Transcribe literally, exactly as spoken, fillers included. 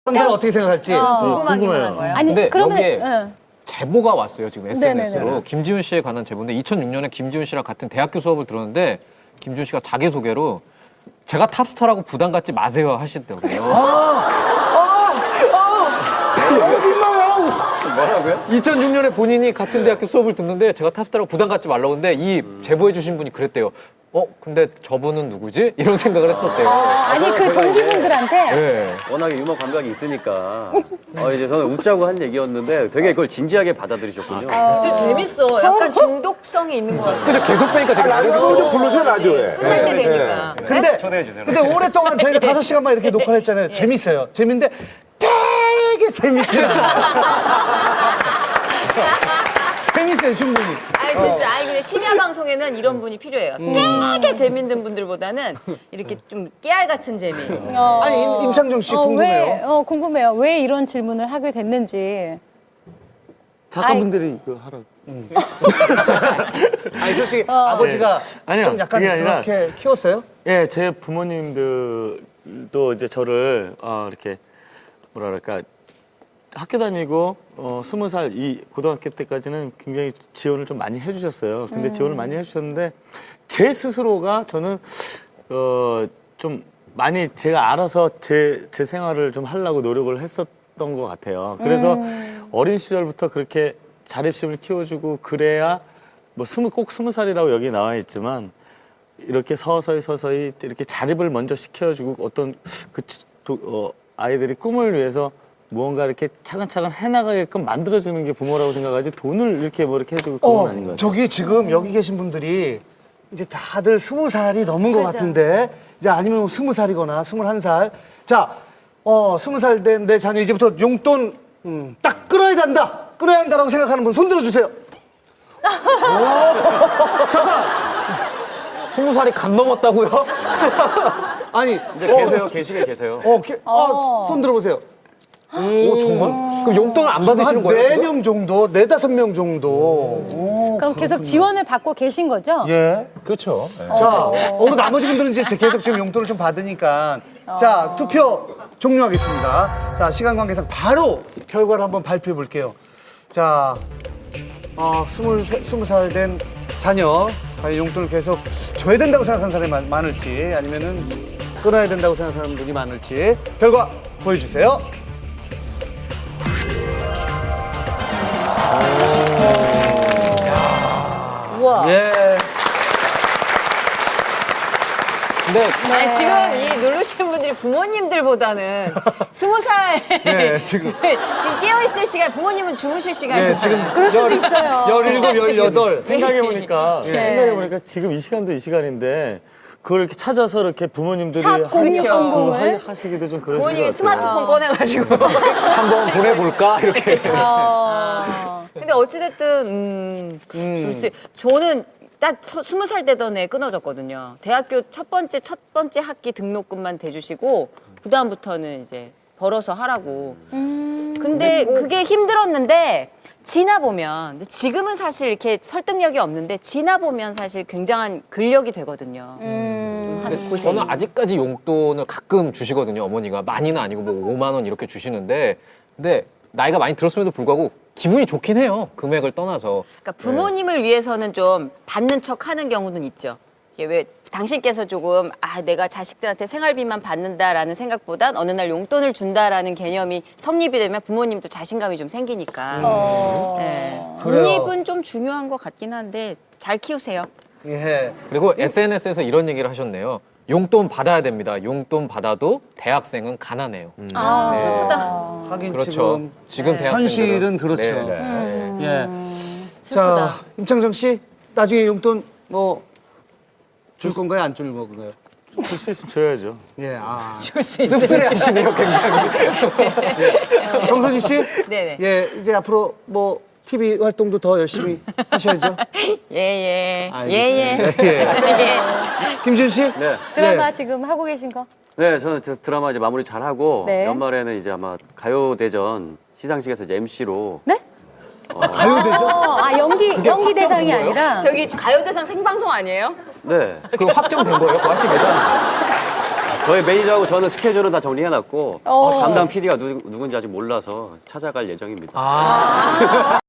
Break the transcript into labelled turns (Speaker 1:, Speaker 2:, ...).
Speaker 1: 사람들은 어떻게 생각할지
Speaker 2: 어.
Speaker 3: 궁금하기만 한 거예요.
Speaker 2: 아니
Speaker 4: 근데
Speaker 2: 그러면
Speaker 4: 여기에
Speaker 2: 응.
Speaker 4: 제보가 왔어요 지금 에스엔에스로.
Speaker 2: 네네네.
Speaker 4: 김지훈 씨에 관한 제보인데 이천육 년에 김지훈 씨랑 같은 대학교 수업을 들었는데 김지훈 씨가 자기소개로 제가 탑스타라고 부담 갖지 마세요 하시더라고요.
Speaker 3: 뭐라고요?
Speaker 4: 이천육 년에 본인이 같은 대학교 수업을 듣는데 제가 탑스타라고 부담 갖지 말라고 했는데 이 제보해 주신 분이 그랬대요. 어? 근데 저분은 누구지? 이런 생각을 했었대요.
Speaker 2: 아니 그
Speaker 3: 제가
Speaker 2: 동기분들한테
Speaker 4: 네.
Speaker 3: 워낙에 유머 감각이 있으니까 어, 이제 저는 웃자고 한 얘기였는데 되게 그걸 진지하게 받아들이셨군요.
Speaker 5: 좀 재밌어. 약간 중독성이 있는 것 같아요.
Speaker 4: 그죠? 계속 빼니까 되게
Speaker 6: 라디오 좀 불러줘요, 라디오에.
Speaker 5: 끝날 때 되니까.
Speaker 1: 근데
Speaker 3: 초대해 주세요.
Speaker 1: 근데 오랫동안 저희가 다섯 시간만 이렇게 녹화를 했잖아요. 재밌어요. 재밌는데 되게 재밌지 않아요. 재밌어요, 충분히.
Speaker 5: 아니 진짜 아니 근데 심야 방송에는 이런 분이 필요해요. 되게 재밌는 분들보다는 이렇게 좀 깨알 같은 재미.
Speaker 2: 어,
Speaker 1: 아니, 임- 임창정 씨
Speaker 2: 어,
Speaker 1: 궁금해요.
Speaker 2: 왜, 어, 궁금해요. 왜 이런 질문을 하게 됐는지.
Speaker 6: 작가분들이 이거 하라고.
Speaker 1: 아니, 솔직히 아버지가
Speaker 6: 아니요,
Speaker 1: 좀 약간
Speaker 6: 그게 아니라-
Speaker 1: 그렇게 키웠어요?
Speaker 6: 예, 제 부모님들도 이제 저를 어, 이렇게 뭐라 그럴까 학교 다니고 어, 스무 살 이 고등학교 때까지는 굉장히 지원을 좀 많이 해주셨어요. 근데
Speaker 2: 음.
Speaker 6: 지원을 많이 해주셨는데 제 스스로가 저는 어, 좀 많이 제가 알아서 제, 제 생활을 좀 하려고 노력을 했었던 것 같아요. 그래서
Speaker 2: 음.
Speaker 6: 어린 시절부터 그렇게 자립심을 키워주고 그래야 뭐 스무 꼭 스무 살이라고 여기 나와 있지만 이렇게 서서히 서서히 이렇게 자립을 먼저 시켜주고 어떤 그 도, 어, 아이들이 꿈을 위해서 무언가 이렇게 차근차근 해나가게끔 만들어주는 게 부모라고 생각하지 돈을 이렇게 뭐 이렇게 해주고 그건
Speaker 1: 어,
Speaker 6: 아닌 것 같아요.
Speaker 1: 저기 지금 여기 계신 분들이 이제 다들 스무 살이 넘은 것 같은데 이제 아니면 스무 살이거나 스물한 살. 자, 어, 스무 살 된 내 자녀 이제부터 용돈 음, 딱 끊어야 된다. 끊어야 한다라고 생각하는 분 손 들어주세요.
Speaker 4: 스무 살이 간 넘었다고요?
Speaker 1: 아니,
Speaker 3: 이제 계세요, 계시긴 계세요.
Speaker 1: 어, 게, 아, 손 들어보세요.
Speaker 4: 오 정말? 그럼 용돈을 안 받으시는 거예요?
Speaker 1: 네
Speaker 4: 지금?
Speaker 1: 명 정도, 네 다섯 명 정도. 오,
Speaker 2: 그럼 계속 지원을 받고 계신 거죠?
Speaker 1: 예.
Speaker 4: 그렇죠. 네.
Speaker 1: 자, 오늘 나머지 분들은 이제 계속 지금 용돈을 좀 받으니까. 자, 투표 종료하겠습니다. 자, 시간 관계상 바로 결과를 한번 발표해 볼게요. 자, 어, 스물, 스무 살 된 자녀, 과연 용돈을 계속 줘야 된다고 생각하는 사람이 많, 많을지, 아니면은 끊어야 된다고 생각하는 분이 많을지. 결과 보여주세요.
Speaker 2: 우와.
Speaker 1: 예.
Speaker 4: 근데
Speaker 5: 아니 지금 이 누르시는 분들이 부모님들보다는 스무 살
Speaker 1: 네, 지금.
Speaker 5: 지금 깨어 있을 시간 부모님은 주무실 시간이에요.
Speaker 1: 예, 지금.
Speaker 2: 그럴 수도 있어요.
Speaker 1: 열일곱, 열여덟.
Speaker 6: 생각해보니까
Speaker 2: 네.
Speaker 6: 생각해보니까 지금 이 시간도 이 시간인데 그걸 이렇게 찾아서 이렇게 부모님들이
Speaker 2: 샵
Speaker 6: 하-
Speaker 2: 공육공공을?
Speaker 6: 그거 하- 하시기도 좀 그러신
Speaker 5: 부모님이
Speaker 6: 것 같아요.
Speaker 5: 스마트폰 꺼내가지고.
Speaker 4: 한번 보내볼까 이렇게.
Speaker 2: 어.
Speaker 5: 근데 어찌됐든 음, 글쎄, 저는 딱 서- 스무 살 되던 애 끊어졌거든요. 대학교 첫 번째 첫 번째 학기 등록금만 대주시고 그 다음부터는 이제 벌어서 하라고. 근데 그게 힘들었는데 지나 보면 근데 지금은 사실 이렇게 설득력이 없는데 지나 보면 사실 굉장한 근력이 되거든요.
Speaker 2: 음.
Speaker 5: 한 고생이.
Speaker 4: 저는 아직까지 용돈을 가끔 주시거든요. 어머니가 많이는 아니고 뭐 오만 원 이렇게 주시는데 근데 나이가 많이 들었음에도 불구하고 기분이 좋긴 해요. 금액을 떠나서.
Speaker 5: 그러니까 부모님을 위해서는 좀 받는 척 하는 경우는 있죠. 이게 왜 당신께서 조금 아 내가 자식들한테 생활비만 받는다라는 생각보단 어느 날 용돈을 준다라는 개념이 성립이 되면 부모님도 자신감이 좀 생기니까.
Speaker 2: 어.
Speaker 5: 네.
Speaker 1: 그래요.
Speaker 5: 독립은 좀 중요한 것 같긴 한데 잘 키우세요.
Speaker 1: 예.
Speaker 4: 그리고 에스엔에스에서 이런 얘기를 하셨네요. 용돈 받아야 됩니다. 용돈 받아도 대학생은 가난해요.
Speaker 5: 아
Speaker 4: 네.
Speaker 5: 슬프다.
Speaker 1: 하긴
Speaker 4: 그렇죠.
Speaker 1: 지금
Speaker 4: 지금 대학생들은
Speaker 1: 현실은 그렇죠.
Speaker 4: 네, 네.
Speaker 1: 예.
Speaker 5: 슬프다.
Speaker 1: 자, 임창정 씨, 나중에 용돈 뭐 줄 건가요, 안 줄 건가요?
Speaker 6: 줄 수 있으면 줘야죠.
Speaker 1: 예, 아.
Speaker 5: 줄 수 있어요.
Speaker 4: 씁쓸해하시네요, 굉장히.
Speaker 1: 정선희 씨,
Speaker 5: 네네.
Speaker 1: 예, 이제 앞으로 뭐 티비 활동도 더 열심히 하셔야죠.
Speaker 5: 예예.
Speaker 1: 아이고.
Speaker 5: 예예.
Speaker 1: 예.
Speaker 5: 예.
Speaker 1: 김준 씨,
Speaker 3: 네.
Speaker 2: 드라마
Speaker 1: 예.
Speaker 2: 지금 하고 계신 거?
Speaker 3: 네, 저는 저 드라마 이제 마무리 잘 하고
Speaker 2: 네.
Speaker 3: 연말에는 이제 아마 가요대전 시상식에서 이제 엠씨로
Speaker 2: 네?
Speaker 1: 가요대죠?
Speaker 2: 어, 아 연기 연기 대상이 아니라.
Speaker 5: 저기 가요대상 생방송 아니에요?
Speaker 3: 네.
Speaker 4: 그 확정된 거예요? 그 하시기가?
Speaker 3: 저희 매니저하고 저는 스케줄은 다 정리해놨고
Speaker 2: 어.
Speaker 3: 담당 피디가 누, 누군지 아직 몰라서 찾아갈 예정입니다.
Speaker 1: 아.